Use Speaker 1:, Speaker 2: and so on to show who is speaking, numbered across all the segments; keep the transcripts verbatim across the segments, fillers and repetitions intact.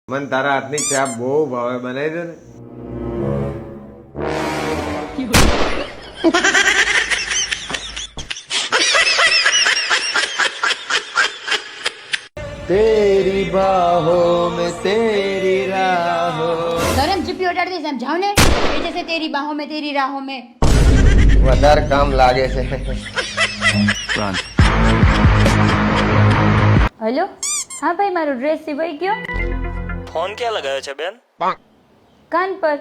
Speaker 1: મને તારા હાથની ચા બહુ ભાવે, બનાવી દે ને. તેરી બાહોं में तेरी राहों.
Speaker 2: सर हम चिप्पी उतार दी समझाओ ने ये जैसे तेरी बाहों में तेरी राहों में
Speaker 1: વધારે કામ લાગે છે.
Speaker 2: हेलो हाँ भाई मारो ड्रेस सिवाई गयो.
Speaker 3: फोन क्या लगायो છે બેન?
Speaker 2: कान पर.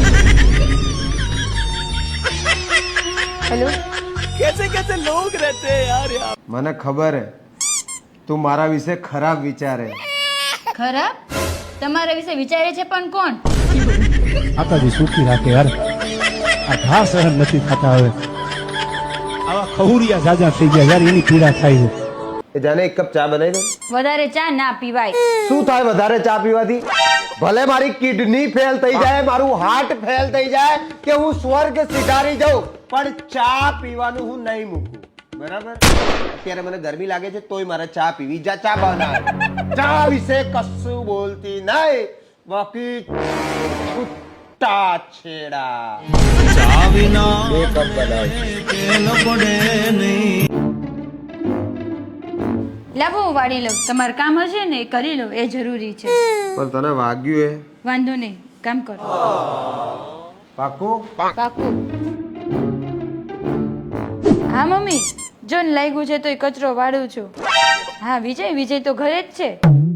Speaker 2: हेलो
Speaker 3: कैसे कैसे लोग रहते हैं यार यहाँ.
Speaker 1: મને ખબર હે તું મારા વિશે ખરાબ વિચારે.
Speaker 2: खराब તમારા વિશે વિચારે છે પણ કોણ?
Speaker 4: માતાજી સુખી રાખે યાર. આ ઘા સહન નથી થતા હવે. આવા ખહુરિયા જાજા થઈ ગયા યાર, એની પીડા થાય છે.
Speaker 1: એ જાને એક કપ ચા બનાવી દે.
Speaker 2: વધારે ચા ના પીવાય.
Speaker 1: શું થાય વધારે ચા પીવાથી? ભલે મારી કિડની ફેલ થઈ જાય, મારું હાર્ટ ફેલ થઈ જાય, કે હું સ્વર્ગ સિધારી જાઉં, પણ ચા પીવાનું હું નહીં મૂકું. બરાબર? અત્યારે મને ગરમી લાગે છે તોય મારે ચા પીવી. જા ચા બનાવ. ચા વિશે કશું બોલતી નહીં, બાકી છૂટા છેડા. ચા વિના બે કપ બનાવ.
Speaker 2: લાવો હું વાળી લઉં. તમારું કામ હશે ને એ કરી લો, એ જરૂરી છે.
Speaker 1: પણ તને વાગ્યું હે?
Speaker 2: વાંધો નહીં, કામ કરો.
Speaker 1: પાકું?
Speaker 2: પાકું. હા મમ્મી, જો ને લાગ્યું છે તો એ કચરો વાળું છું. હા વિજય, વિજય તો ઘરે જ છે.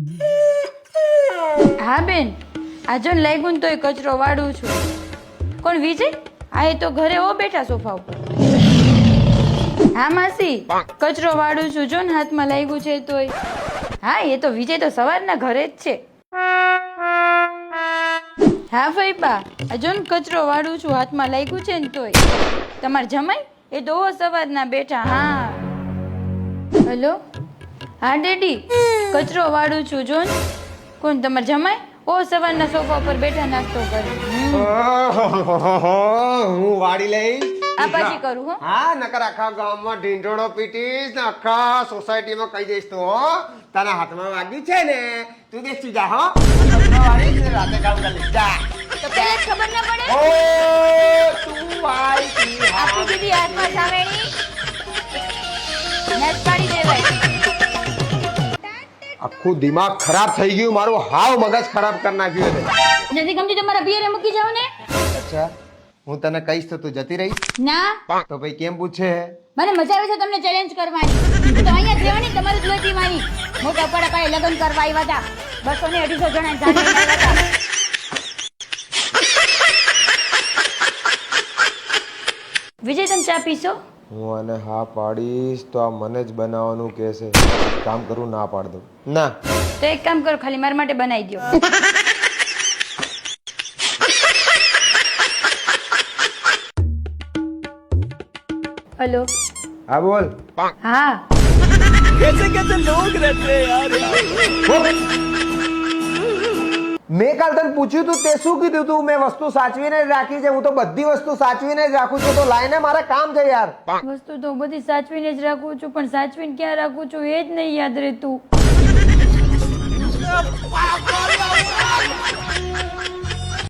Speaker 2: હા બેન, આ જો ને લાગ્યું ને તો એ કચરો વાળું છું. કોણ વિજય? હા એ તો ઘરે હો બેઠા સોફા ઉપર. હા માસી, કચરો વાળું છું, જો ને હાથમાં લાગ્યું છે તોય. હા એ તો વિજય તો સવારના ઘરે જ છે. હા ફઈબા, આ જો ને કચરો વાળું છું, હાથમાં લાગ્યું છે ને તોય. તમાર જમાઈ એ તો સવારના બેઠા. હા હેલો. હા ડેડી, કચરો વાળું છું, જો ને. કોણ તમાર જમાઈ? ઓ સવારના સોફા પર બેઠા નાસ્તો કરે.
Speaker 1: હું વાળી લઈશ.
Speaker 2: આ પછી કરું હો.
Speaker 1: હા નકર આખા ગામમાં ઢીંઢોળો પીટીશ ને આખા સોસાયટીમાં કહી દઈશ તો હો તારા હાથમાં વાગ્યું છે ને તું બેસી જા. હો વાળી ને રાતે કામ કરી લઈશ. જા.
Speaker 2: તો પેલા ખબર ના પડે.
Speaker 1: ઓ તું વાળી
Speaker 2: આપી દીધી હાથમાં સાવેણી. નસ પાડી દેવાય.
Speaker 1: આખું દિમાગ ખરાબ થઈ ગયું મારું. હાવ મગજ ખરાબ કરી નાખ્યું છે.
Speaker 2: નથી ગમતી તમારા પિયરે મૂકી જાવ ને.
Speaker 1: અચ્છા, હું તને કહીશ તો તું જતી રહીશ?
Speaker 2: ના,
Speaker 1: તો ભાઈ કેમ પૂછે?
Speaker 2: મને મજા આવે છે તમને ચેલેન્જ કરવાની. તો અહીંયા જ રહેવાની, તમારે જ લેવાની. મોટા પડા પાયે લગ્ન કરવા આવ્યા હતા. બસો ને અઢીસો જણા જાણી આવ્યા હતા. વિજય તમે ચા પીશો?
Speaker 1: હું આને હા પાડીશ તો આ મને જ બનાવવાનું કહેશે. કામ કરું ના પાડ દઉં. ના
Speaker 2: તો એક કામ કરો, ખાલી મારા માટે બનાવી દો. હેલો.
Speaker 1: હા બોલ.
Speaker 2: હા
Speaker 3: कैसे कैसे लोग रहते हैं यार यहाँ.
Speaker 1: મેં કાલ તને પૂછ્યું તું તે શું કીધું તું? મેં વસ્તુ સાચવીને જ રાખી છે. હું તો બધી વસ્તુ સાચવીને જ રાખું છું. તો લાઈને મારે કામ છે યાર.
Speaker 2: વસ્તુ તો બધી સાચવીને જ રાખું છું, પણ સાચવીને ક્યાં રાખું છું એ જ નહીં યાદ રહેતું.